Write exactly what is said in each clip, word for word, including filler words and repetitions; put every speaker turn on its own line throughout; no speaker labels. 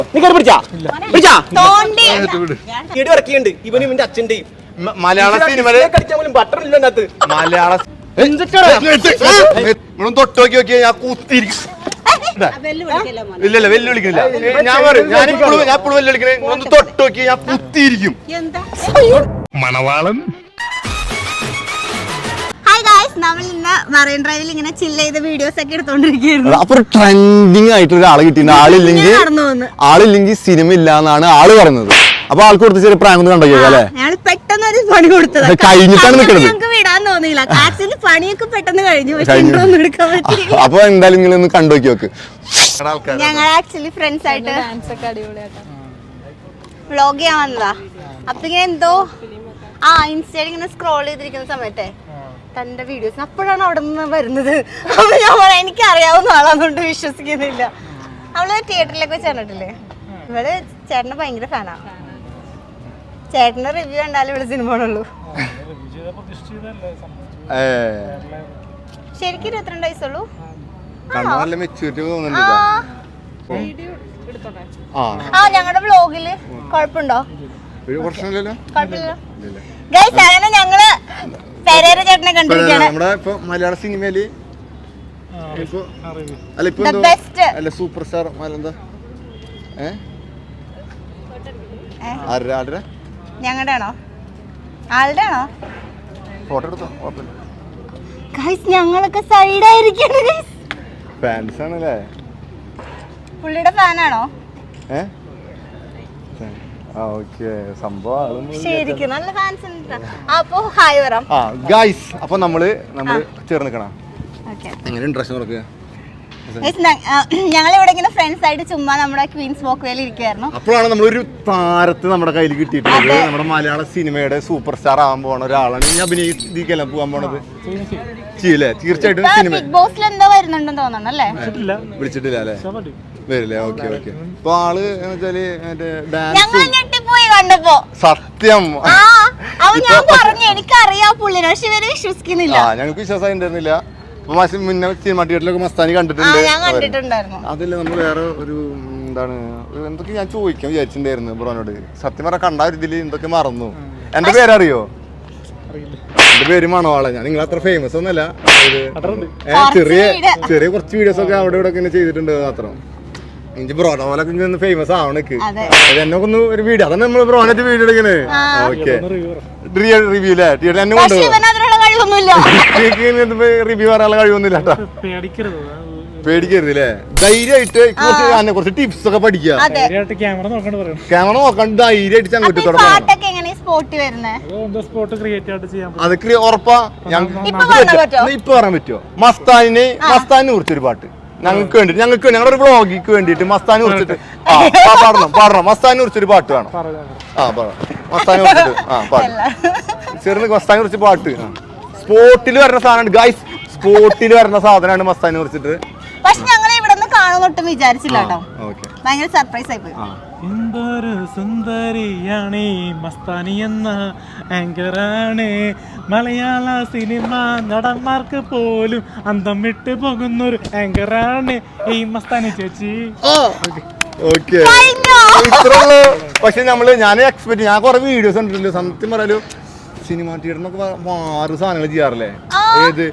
ഇവനും ഇവന്റെ അച്ഛന്റെയും
മലയാള സിനിമയില് മലയാള തൊട്ട് നോക്കി നോക്കിയാ ഞാൻ കൂത്തിരിക്കും. ഇല്ലല്ല വെല്ലുവിളിക്കുന്നില്ല. ഞാൻ പറയും ഞാൻ ഇപ്പോഴും ഞാൻ ഇപ്പോഴും വെല്ലുവിളിക്കണേ. ഒന്ന് തൊട്ട് നോക്കി ഞാൻ കുത്തിയിരിക്കും. മണവാളൻ.
നമ്മൾ ഇന്ന് മറൈൻ ഡ്രൈവിൽ ഇങ്ങനെ ചില്ല് ചെയ്ത വീഡിയോസ് ഒക്കെ എടുത്തോണ്ടിരിക്കുകയായിരുന്നു.
അപ്പൊ ട്രെൻഡിങ് ആയിട്ട് ഒരാളെ കിട്ടിയിട്ടുണ്ട്. ആളില്ലെങ്കിൽ ആളില്ലെങ്കിൽ സിനിമ ഇല്ലാന്നാണ് ആള് പറയുന്നത്. അപ്പൊ ആൾക്ക് കൊടുത്ത ചെറിയ പ്രായം ഒന്ന് കണ്ടോ അല്ലേ?
ഞങ്ങൾ പെട്ടെന്ന് ഒരു പണി കൊടുത്തത്
കഴിഞ്ഞിട്ടാണ് നിൽക്കുന്നത്.
ഞങ്ങൾക്ക് വിടാൻ തോന്നിയില്ല. ആക്ച്വലി പണിയൊക്കെ പെട്ടെന്ന് കഴിഞ്ഞു. പക്ഷെ ഒന്നും എടുക്കാൻ പറ്റില്ല.
അപ്പൊ എന്തായാലും നിങ്ങൾ ഒന്ന് കണ്ടു നോക്കി നോക്ക്.
ഞങ്ങൾ ആക്ച്വലി ഫ്രണ്ട്സ് ആയിട്ട് വ്ളോഗ് ചെയ്യാൻ വന്നതാ. അപ്പൊ ഇങ്ങനെ എന്തോ ആ ഇൻസ്റ്റയിൽ ഇങ്ങനെ സ്ക്രോൾ ചെയ്തിരിക്കുന്ന സമയത്തെ തന്റെ വീഡിയോസ് അപ്പോഴാണ് അവിടെ നിന്ന് വരുന്നത്. അപ്പൊ ഞാൻ പറയാം എനിക്ക് അറിയാവുന്ന ആളാന്നുകൊണ്ട് വിശ്വസിക്കുന്നില്ല. അവള് തിയേറ്ററിലേക്ക് വെച്ച് കണ്ടിട്ടില്ലേ? ഇവള് ചേട്ടന് ഭയങ്കര ഫാനാണ്. ചേട്ടന് റിവ്യൂ കണ്ടാലും ഇവിടെ സിനിമ കാണുള്ളൂ. ശരിക്കും ഇരുപത്തിരണ്ട് വയസ്സുള്ളൂ. ആ ഞങ്ങളുടെ വ്ളോഗില് കുഴപ്പമുണ്ടോ? കുഴപ്പമില്ല. ഗൈസ് അങ്ങനെ ഞങ്ങള് പെരേര ചേട്ടനെ കണ്ടിരിക്കുകയാണ്.
മലയാള സിനിമയില് സൂപ്പർ സ്റ്റാർ
ഞങ്ങളുടെ ആണോ ആളുടെ ആണോ?
ഫോട്ടോ എടുത്തോ.
ഗൈസ് ഞങ്ങളൊക്കെ സൈഡായിരിക്കാണ്.
ഫാൻസ് ആണല്ലേ?
പുള്ളിയുടെ ഫാനാണോ? ശരിക്കും നല്ല ഫാൻസ് ഉണ്ട്. അപ്പൊ ഹായ് വരാം.
ഗൈസ് അപ്പൊ നമ്മള് നമ്മള് ചേർന്ന് നിൽക്കണം. എങ്ങനെ ഇൻട്രസ്റ്റ് നോക്കുക.
ഞങ്ങൾ ഇവിടെ ഇങ്ങനെ ഫ്രണ്ട്സ് ആയിട്ട് ചുമ്മാ നമ്മുടെ ക്വീൻസ് വാക്ക് വേയിൽ ഇരിക്കുവായിരുന്നു.
അപ്പോഴാണ് നമ്മളൊരു താരത്തെ നമ്മുടെ കയ്യിൽ കിട്ടിയിട്ടുള്ളത്. നമ്മുടെ മലയാള സിനിമയുടെ സൂപ്പർ സ്റ്റാർ ആവാൻ പോണ ഒരാളാണ്. ഇനി അഭിനയിക്കാൻ പോകാൻ പോണത് ചെയ്യില്ലേ? തീർച്ചയായിട്ടും സിനിമ
ബിഗ് ബോസിൽ എന്തോ വരുന്നുണ്ടെന്ന് തോന്നുന്നു അല്ലേ?
വിളിച്ചിട്ടില്ല അല്ലേ? വരില്ലേ? Okay okay. ഇപ്പൊ ആള് വെച്ചാല് സത്യം
എനിക്കറിയാം പുള്ളിനെ. പക്ഷെ ഇവര് വിശ്വസിക്കുന്നില്ല.
ഞങ്ങൾക്ക് വിശ്വാസം ഉണ്ടായിരുന്നില്ല. മുന്നേ സിനിമ തിയേറ്ററിലൊക്കെ മസ്താനി കണ്ടിട്ടുണ്ട്. അതില്ല നമ്മൾ വേറെ ഒരു എന്താണ് എന്തൊക്കെ ഞാൻ ചോദിക്കാൻ വിചാരിച്ചിട്ടുണ്ടായിരുന്നു ബ്രോനോട്. സത്യം പറഞ്ഞ കണ്ട ഒരു ഇതില് എന്തൊക്കെ മറന്നു. എന്റെ പേരറിയോ? എന്റെ പേര് മണവാളൻ. ഞാൻ നിങ്ങൾ അത്ര ഫേമസ് ഒന്നല്ല. ചെറിയ ചെറിയ കുറച്ച് വീഡിയോസ് ഒക്കെ അവിടെ ഇവിടെ ഒക്കെ ചെയ്തിട്ടുണ്ട് മാത്രം. എനിക്ക് ബ്രോനെ പോലെ ഫേമസ് ആവണക്ക് എന്നെ ഒന്ന് ഒരു വീഡിയോ അതാണ് നമ്മൾ ബ്രോനായിട്ട് വീഡിയോ എടുക്കണേ. ഓക്കെ റിവ്യൂ അല്ലേ? തിയേറ്റർ എന്നെ കൊണ്ടുപോകും. റിവ്യൂ പറയാനുള്ള കഴിവൊന്നുമില്ല കേട്ടോ. പേടിക്കരുത് അല്ലേ? ധൈര്യമായിട്ട് കുറച്ച് കുറച്ച് ടിപ്സ് ഒക്കെ പഠിക്കുക. ക്യാമറ നോക്കണ്ട ധൈര്യമായിട്ട് അങ്ങോട്ട് തുടങ്ങാം. അതൊക്കെ ഉറപ്പാ. ഇപ്പൊ പറയാൻ പറ്റുമോ? മസ്താനിനെ മസ്താനിനെ കുറിച്ചൊരു പാട്ട് ഞങ്ങൾക്ക് വേണ്ടി ഞങ്ങൾക്ക് ഞങ്ങളുടെ ഒരു വ്ളോഗിക്ക് വേണ്ടിട്ട് മസ്താനെ കുറിച്ചിട്ട് ആ പാടണം പാടണം മസ്താനെ കുറിച്ചൊരു പാട്ട് വേണം. ആ പാടാം മസ്താനെ കുറിച്ചിട്ട്. ആ പാടും ചെറുന്ന് മസ്താനെ കുറിച്ച് പാട്ട്. സ്പോട്ടിൽ വരുന്ന സാധനമാണ് ഗൈസ്. സ്പോട്ടിൽ വരുന്ന സാധനമാണ് മസ്താനെ കുറിച്ചിട്ട്.
പക്ഷെ ഞങ്ങൾ ഇവിടെ നിന്ന് കാണുന്നൊട്ടും വിചാരിച്ചില്ല കേട്ടോ. ഭയങ്കര സർപ്രൈസ് ആയി പോയി.
എന്തൊരു സുന്ദരിയാണ് മസ്താനി എന്ന ആങ്കറാണ്. മലയാള സിനിമ നടന്മാർക്ക് പോലും അന്തം വിട്ട് പോകുന്നൊരു ആങ്കറാണ് ഈ മസ്താനി ചേച്ചി.
പക്ഷെ നമ്മള് ഞാൻ എക്സ്പെക്ട് ഞാൻ കുറെ വീഡിയോസ് കണ്ടിട്ടില്ല. സത്യം പറയാലോ സിനിമ തിയേറ്ററിനൊക്കെ ആറ് സാധനങ്ങൾ ചെയ്യാറില്ലേ? ഏത്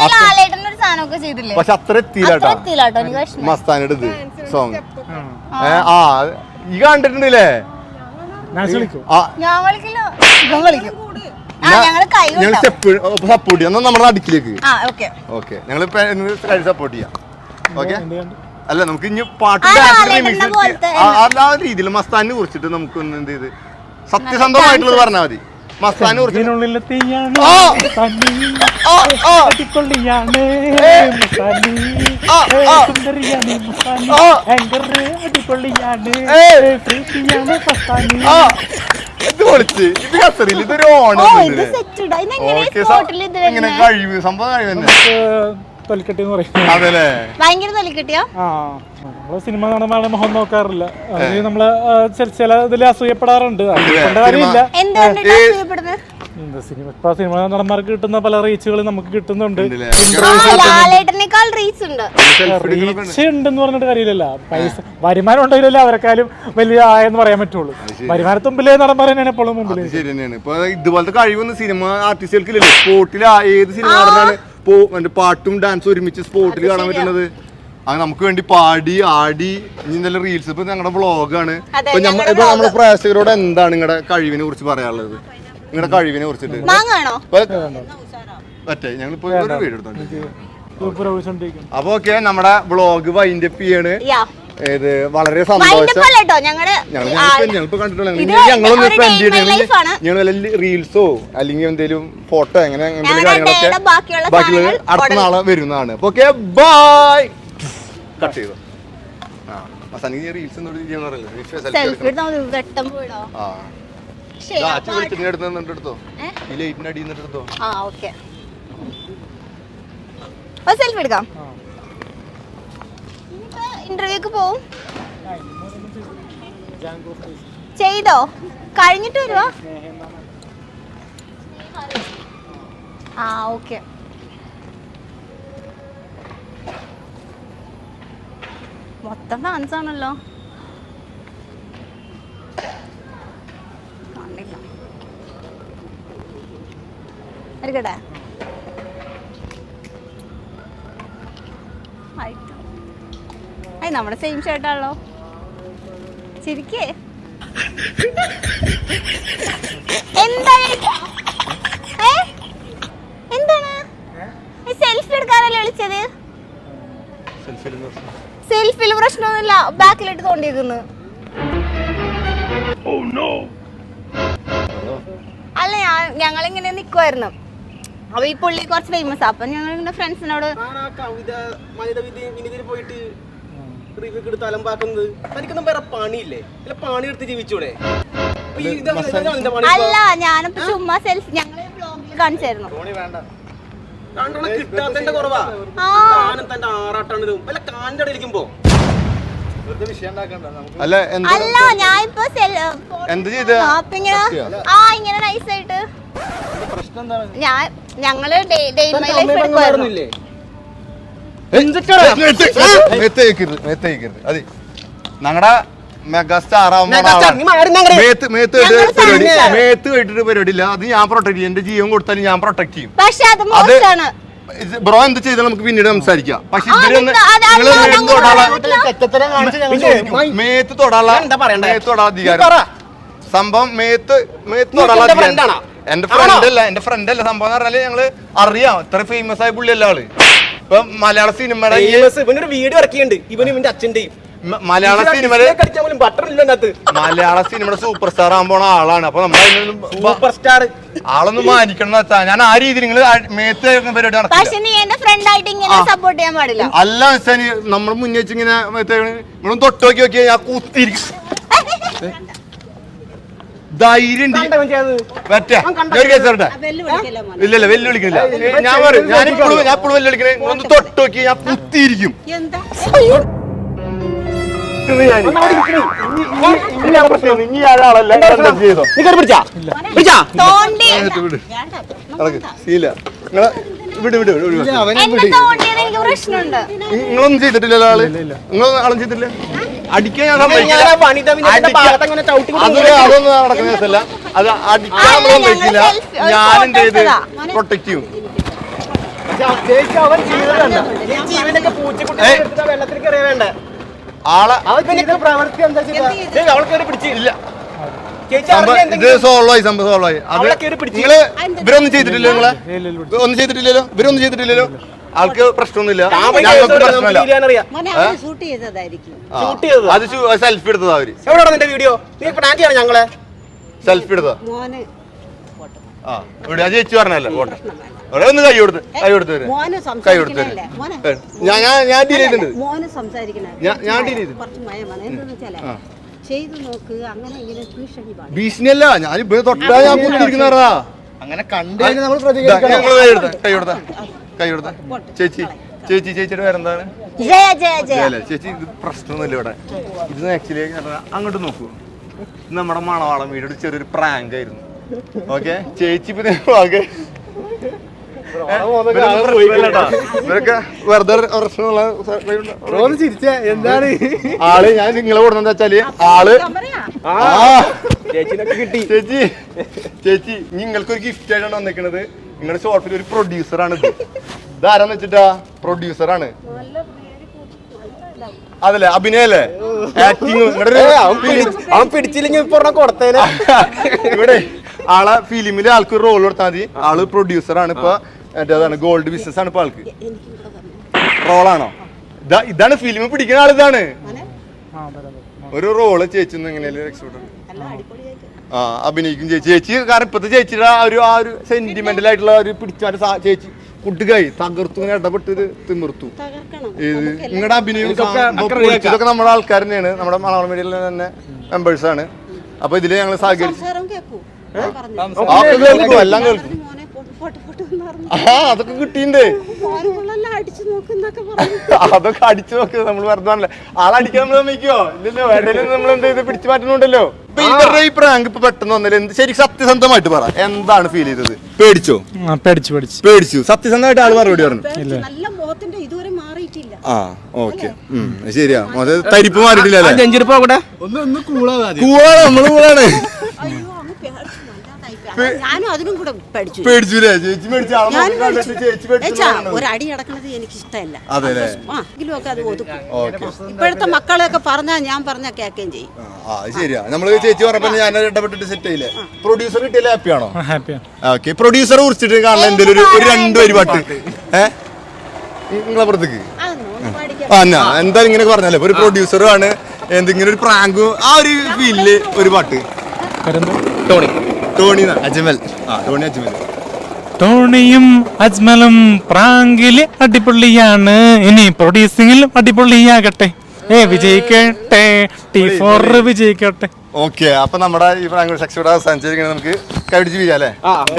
പക്ഷെ അത്ര എത്തിയില്ലാട്ടോ മസ്താനിയുടെ ഇത് സോങ്. ആ ഈ കണ്ടിട്ടുണ്ടല്ലേ? സപ്പോർട്ട് ചെയ്യാം നമ്മുടെ അടുക്കിലേക്ക്. ഓക്കെ ഞങ്ങൾ സപ്പോർട്ട് ചെയ്യാം. ഓക്കെ അല്ല നമുക്ക് ഇനി പാട്ട് ആ രീതിയിൽ മസ്താനെ കുറിച്ചിട്ട് നമുക്ക് ഒന്ന് എന്ത് ചെയ്ത് സത്യസന്ധമായിട്ടുള്ളത് പറഞ്ഞാൽ മതി. മസ്താനെ കുറിച്ച് ഇത് പൊളിച്ച് ഇത് കസറില്ല. ഇതൊരു ഓണം ഇങ്ങനെ കഴിവ് സംഭവം കഴിവ് തന്നെ.
സിനിമ നടന്മാരുടെ മുഖം നോക്കാറില്ല. നമ്മള് ചില ഇതിൽ അസൂയപ്പെടാറുണ്ട്. എന്താ സിനിമ ഇപ്പൊ സിനിമ നടന്മാർക്ക് കിട്ടുന്ന പല റീച്ചുകൾ നമുക്ക് കിട്ടുന്നുണ്ട്.
ലാലേട്ടനേക്കാൾ റീച്ച് ഉണ്ട്.
റീച്ച് ഉണ്ടെന്ന് പറഞ്ഞിട്ട് കാര്യമില്ലല്ല. പൈസ വരുമാനം ഉണ്ടെങ്കിലല്ലേ അവരെക്കാളും വലിയ ആയെന്ന് പറയാൻ പറ്റുള്ളൂ. വരുമാനത്തുമ്പിലെ നടന്മാർ തന്നെയാണ് എപ്പോഴും മുമ്പിൽ.
ശരി തന്നെയാണ്. ഇപ്പൊ ഇതുപോലത്തെ കഴിവൊന്നും സിനിമ ആർട്ടിസ്റ്റുകൾക്കില്ലല്ലോ. സ്പോർട്ടിൽ ഏത് സിനിമ നടനാണ് പാട്ടും ഡാൻസും ഒരുമിച്ച് സ്പോർട്ടിൽ കാണാൻ പറ്റുന്നത്? അത് നമുക്ക് വേണ്ടി പാടി ആടി ഇനി നല്ല റീൽസ്. ഇപ്പൊ ഞങ്ങളുടെ വ്ളോഗാണ്. ഇപ്പൊ നമ്മുടെ പ്രേക്ഷകരോട് എന്താണ് നിങ്ങളുടെ കഴിവിനെ കുറിച്ച് പറയാനുള്ളത്? നിങ്ങളുടെ കഴിവിനെ കുറിച്ചിട്ട് പറ്റേ ഞങ്ങളിപ്പോ ഒരു വീഡിയോ എടുത്തോണ്ട്. അപ്പൊ ഓക്കെ, നമ്മുടെ വ്ളോഗ് വൈൻഡ് അപ്പ് ചെയ്യാണ്. ഇത് വളരെ സന്തോഷം. ഞങ്ങളിപ്പോ കണ്ടിട്ടുള്ള ഞങ്ങളൊന്ന് സ്പെൻഡ് ചെയ്യണം. ഞങ്ങൾ വല്ല റീൽസോ അല്ലെങ്കിൽ എന്തെങ്കിലും ഫോട്ടോ അങ്ങനെ എന്തെങ്കിലും കാര്യങ്ങളൊക്കെ ബാക്കിയുള്ളത് അടുത്ത നാളെ വരുന്നതാണ്. അപ്പൊ ഓക്കെ, ബൈ. കട്ട് ചെയ്തോ. ആ അവസാനിക്ക് റീൽസ് എടുത്തോ. ഈ ലൈറ്റിന്റെ അടിയിൽ നിന്നിട്ട് എടുത്തോ.
സെൽഫി എടുക്കാം. ഇന്റർവ്യൂക്ക് പോവും. ചെയ്തോ? കഴിഞ്ഞിട്ട് വരുവാ? ആ ഓക്കെ. മൊത്തം ഫാൻസ് ആണല്ലോ. കാണില്ല എടുക്കട്ടെ. നമ്മുടെ സെയിം ഷർട്ടാണല്ലോ. ചിരിക്കേ. എന്താണ് എന്താണ് സെൽഫി എടുക്കാനല്ലേ വിളിച്ചത്? സെൽഫിൽ പ്രശ്നമൊന്നുമില്ല. ബാക്കിലിട്ട് തോണ്ടിയിരിക്കുന്നു. അല്ല ഞങ്ങളിങ്ങനെ നിക്കുവായിരുന്നു. അപ്പൊ ഈ പുള്ളി കുറച്ച് ഫേമസ്. അപ്പൊ ഞങ്ങൾ ഇങ്ങനെ ഫ്രണ്ട്സിനോട് അല്ല ഞാനിപ്പോ ചുമ്മാ സെൽഫി ഞങ്ങള് വ്ളോഗിൽ കാണിച്ചായിരുന്നു. അല്ല ഞാൻ ഇപ്പൊ ആ ഇങ്ങനെ നൈസായിട്ട് ഞാൻ ഞങ്ങള്
ഞങ്ങളുടെ മെഗാസ്റ്റാർ മേത്ത് കേട്ടിട്ട് പരിപാടിയില്ല. അത് ഞാൻ പ്രൊട്ടക്ട് ചെയ്യും. എന്റെ ജീവൻ കൊടുത്താലും ഞാൻ പ്രൊട്ടക്ട് ചെയ്യും. അത് ബ്രോ എന്ത് ചെയ്താൽ നമുക്ക് പിന്നീട് സംസാരിക്കാം. പക്ഷെ ഇതിലൊന്ന് മേത്ത് തൊടാനുള്ള മേത്ത് തൊടാ അധികാരം സംഭവം മേത്ത് മേത്ത് തൊടാനുള്ള അധികാരം എന്റെ ഫ്രണ്ട് അല്ല എന്റെ ഫ്രണ്ട് അല്ല സംഭവം എന്ന് പറഞ്ഞാല് ഞങ്ങള് അറിയാം. ഇത്ര ഫേമസ് ആയ പുള്ളി അല്ല ആള്. ഇപ്പൊ മലയാള സിനിമയുടെ
വീഡിയോ ഇറക്കിയുണ്ട് ഇവനും ഇവന്റെ അച്ഛന്റെയും.
മലയാള സിനിമയുടെ മലയാള സിനിമയുടെ സൂപ്പർ സ്റ്റാർ ആകാൻ പോണ ആളാണ്. അപ്പൊ നമ്മൾ
സൂപ്പർ സ്റ്റാർ
ആളൊന്നും മാനിക്കണം എന്ന് വെച്ചാൽ ഞാൻ ആ രീതിയിൽ നിങ്ങൾ മേത്ത് പരിപാടി നടത്തില്ല. അല്ല വെച്ചാൽ നമ്മൾ മുന്നേ വെച്ച് ഇങ്ങനെ നിങ്ങളും തൊട്ട് നോക്കി നോക്കിയാ ഞാൻ കൂത്തിരിക്കും. ധൈര്യം ഇല്ലല്ല വെല്ലുവിളിക്കുന്നില്ല. ഞാൻ പറയും ഞാനിപ്പോഴും ഞാൻ ഇപ്പോഴും വെല്ലുവിളിക്കണേ. ഒന്ന് തൊട്ട് നോക്കി ഞാൻ കുത്തിയിരിക്കും. നിങ്ങളൊന്നും ചെയ്തിട്ടില്ലല്ലോ ആള്. നിങ്ങൾ ആളും ചെയ്തിട്ടില്ല. അടിക്കാൻ ഞാൻ അതൊന്നും നടക്കുന്ന ദിവസമല്ല. അത് അടിക്കാൻ നമ്മളൊന്നും കഴിക്കില്ല. ഞാൻ എന്ത് ചെയ്ത് പ്രൊട്ടക്ട് ചെയ്യും. ആളെ ഇത് സോൾവ് ആയി സംഭവം സോൾവ് ആയി. അത് നിങ്ങള് ഇവരൊന്നും ചെയ്തിട്ടില്ലല്ലോ. നിങ്ങളെ ഒന്നും ചെയ്തിട്ടില്ലല്ലോ. ഇവരൊന്നും ചെയ്തിട്ടില്ലല്ലോ. ആൾക്ക് പ്രശ്നമൊന്നുമില്ല. ഞങ്ങൾക്ക് പ്രശ്നമില്ല. അത് സെൽഫി എടുത്തതാ അവര്.
ഞങ്ങളെ
സെൽഫി എടുത്തതാ. ആ ഇവിടെ അത് ചേച്ചി പറഞ്ഞല്ലേ ഫോട്ടോ. ഒന്ന് കൈ കൊടുത്ത് കൈ കൊടുത്ത് കൈ കൊടുത്ത് ഞാൻ ഞാൻ ഡീൽ ചെയ്തിട്ടുണ്ട്. ഞാൻ ഡീൽ ചെയ്തു. ഭീഷണിയല്ല. ഞാൻ ഇവിടെ തൊട്ടാ ഞാൻ കുത്തിരിക്കുന്നതാ. അങ്ങനെ കണ്ടു കൈ കൊടുത്ത കൈ കൊടുത്ത ചേച്ചി ചേച്ചി ചേച്ചിയുടെ പേരെന്താണ്? ചേച്ചി ഇത് പ്രശ്നമൊന്നുമില്ല ഇവിടെ. ഇത് ആക്ച്വലി അങ്ങോട്ട് നോക്കൂ. ഇത് നമ്മുടെ മണവാളം വീട് ചെറിയൊരു പ്രാങ്ക് ആയിരുന്നു. ഓക്കെ ചേച്ചി പിന്നെ ഓക്കെ ഇവരൊക്കെ വെറുതെ പ്രശ്നമുള്ള
എന്താണ്
ആള് ഞാൻ നിങ്ങളെ കൊടുക്കുന്ന വെച്ചാല് ആള് ആ
ചേച്ചിനൊക്കെ കിട്ടി.
ചേച്ചി ചേച്ചി നിങ്ങൾക്ക് ഒരു ഗിഫ്റ്റ് ആയിട്ടാണ് വന്നിരിക്കുന്നത്. നിങ്ങളുടെ ഷോർട്ടിൽ ഒരു പ്രൊഡ്യൂസർ ആണ് ഇത്. ഇതാരാന്ന് വെച്ചിട്ടാ പ്രൊഡ്യൂസർ ആണ്. അതല്ലേ അഭിനയല്ലേ ആക്ടിങ്
അവൻ പിടിച്ചില്ലെങ്കിൽ ഇപ്പൊ കൊടുത്തേനെ.
ഇവിടെ ആളെ ഫിലിമില് ആൾക്ക് ഒരു റോൾ കൊടുത്താൽ മതി. ആള് പ്രൊഡ്യൂസർ ആണ്. ഇപ്പൊ അതാണ് ഗോൾഡ് ബിസിനസ് ആണ് ഇപ്പൊ ആൾക്ക്. റോളാണോ ഇതാ? ഇതാണ് ഫിലിം പിടിക്കുന്ന ആളിതാണ്. ഒരു റോള് ചേച്ചി എങ്ങനെയല്ലേ രക്ഷപ്പെട്ടു ആ അഭിനയിക്കും ചേച്ചി. ചേച്ചി കാരണം ഇപ്പത്തെ ചേച്ചിയുടെ ആ ഒരു ആ ഒരു സെന്റിമെന്റൽ ആയിട്ടുള്ള ഒരു പിടിച്ചാല് ചേച്ചി കുട്ടുകായി തകർത്തു ഇങ്ങനെ ഇടപെട്ട് തിമിർത്തു. ഇത് നിങ്ങളുടെ അഭിനയം ഇതൊക്കെ നമ്മുടെ ആൾക്കാർ തന്നെയാണ്. നമ്മുടെ മലയാളം മീഡിയയിലെ തന്നെ മെമ്പേഴ്സ് ആണ്. അപ്പൊ ഇതില് ഞങ്ങൾ സഹകരിച്ചു. എല്ലാം കേൾക്കും. ആ അതൊക്കെ കിട്ടിയിട്ടുണ്ട്. അതൊക്കെ അടിച്ചു നോക്ക്. നമ്മൾ വെറുതെ ആളടിക്കാൻ നമ്മൾ സമ്മതിക്കോ ഇല്ലല്ലോ. ഇടയിലും നമ്മൾ എന്ത് ചെയ്ത് പിടിച്ചു മാറ്റുന്നുണ്ടല്ലോ. ഇപ്പൊ ഇവരുടെ ഈ പ്രാങ്ക് ഇപ്പൊ പെട്ടെന്ന് വന്നില്ല. എന്ത് ശരി സത്യസന്ധമായിട്ട് പറ, എന്താണ് ഫീൽ ചെയ്തത്? പേടിച്ചോ?
പേടിച്ചു പേടിച്ചു
പേടിച്ചു. സത്യസന്ധമായിട്ട് ആള് മറുപടി പറഞ്ഞു. ആ ഓക്കെ ശരിയാ. തരിപ്പ് മാറിയിട്ടില്ല.
നെഞ്ചിരിപ്പ് കൂടെ
കൂളാ നമ്മള് കൂടാണ്.
ഞാനും അതിനും കൂടെ പഠിച്ചു.
പേടിച്ചൂലേ? ചേച്ചി പേടിച്ചു.
ഒരടി അടക്കണത് എനിക്ക് ഇഷ്ടമല്ല.
അതെല്ലേ?
ഒക്കെ അത് ഒതുക്കും. ഇപ്പോഴത്തെ മക്കളെയൊക്കെ പറഞ്ഞാൽ ഞാൻ പറഞ്ഞാൽ കേൾക്കുകയും ചെയ്യും.
ആ ശരിയാ. നമ്മള് ചേച്ചി പറഞ്ഞപ്പോ ഞാൻ ഇടപെട്ടിട്ട് സെറ്റ് ആയില്ലേ? പ്രൊഡ്യൂസർ കിട്ടിയാലേ ഹാപ്പിയാണോ? ഓക്കെ. പ്രൊഡ്യൂസറെ കുറിച്ചിട്ട് കാണാൻ എന്തെങ്കിലും ഒരു രണ്ട് വരി പാട്ട് ഏഹ് നിങ്ങളെ പുറത്തേക്ക് ആ എന്നാ എന്തായാലും ഇങ്ങനെ പറഞ്ഞല്ലേ. ഒരു പ്രൊഡ്യൂസറും ആണ്. എന്തെങ്കിലും ഒരു പ്രാങ്കും ആ ഒരു ഫീലില് ഒരു പാട്ട്.
Tony
Tony Ajmal. ആ ടോണി അജ്മൽ.
ടോണിയും അജ്മലും പ്രാങ്കില് അടിപൊളിയാണ്. ഇനി പ്രൊഡ്യൂസിംഗിലും അടിപൊളിയാകട്ടെ. ഏ വിജയിക്കട്ടെ. ടി ഫോർ വിജയിക്കട്ടെ.
ഓക്കെ. അപ്പൊ നമ്മുടെ ഈ പ്രാങ്ക് സക്സസ്ഫുൾ അവസാനിച്ചിരിക്കുന്നത് നമുക്ക് കൈപിടിച്ച് വീഴാല്ലേ?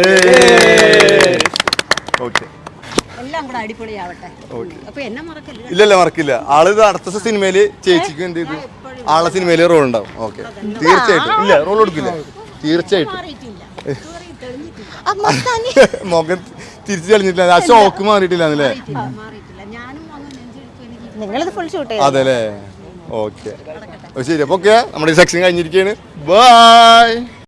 ഓക്കെ.
എല്ലാം കൂടെ അടിപൊളിയാവട്ടെ. അപ്പൊ എന്നെ മറക്കല്ല.
ഇല്ലല്ല മറക്കില്ല. ആള് ഇത് അടുത്ത സിനിമയില് ചേച്ചിക്ക് എന്ത് ചെയ്തു ആളെ സിനിമയില് റോൾ ഉണ്ടാവും. ഓക്കെ തീർച്ചയായിട്ടും. ഇല്ല റോൾ കൊടുക്കില്ല തീർച്ചയായിട്ടും. മുഖം തിരിച്ചു തെളിഞ്ഞിട്ടില്ല. ആ ഷോക്ക് മാറിയിട്ടില്ല അല്ലേ? അതെല്ലേ? ഓക്കെ ശരി. അപ്പൊ ഓക്കെ നമ്മുടെ ഈ സെക്ഷൻ കഴിഞ്ഞിരിക്കുകയാണ്. ബൈ.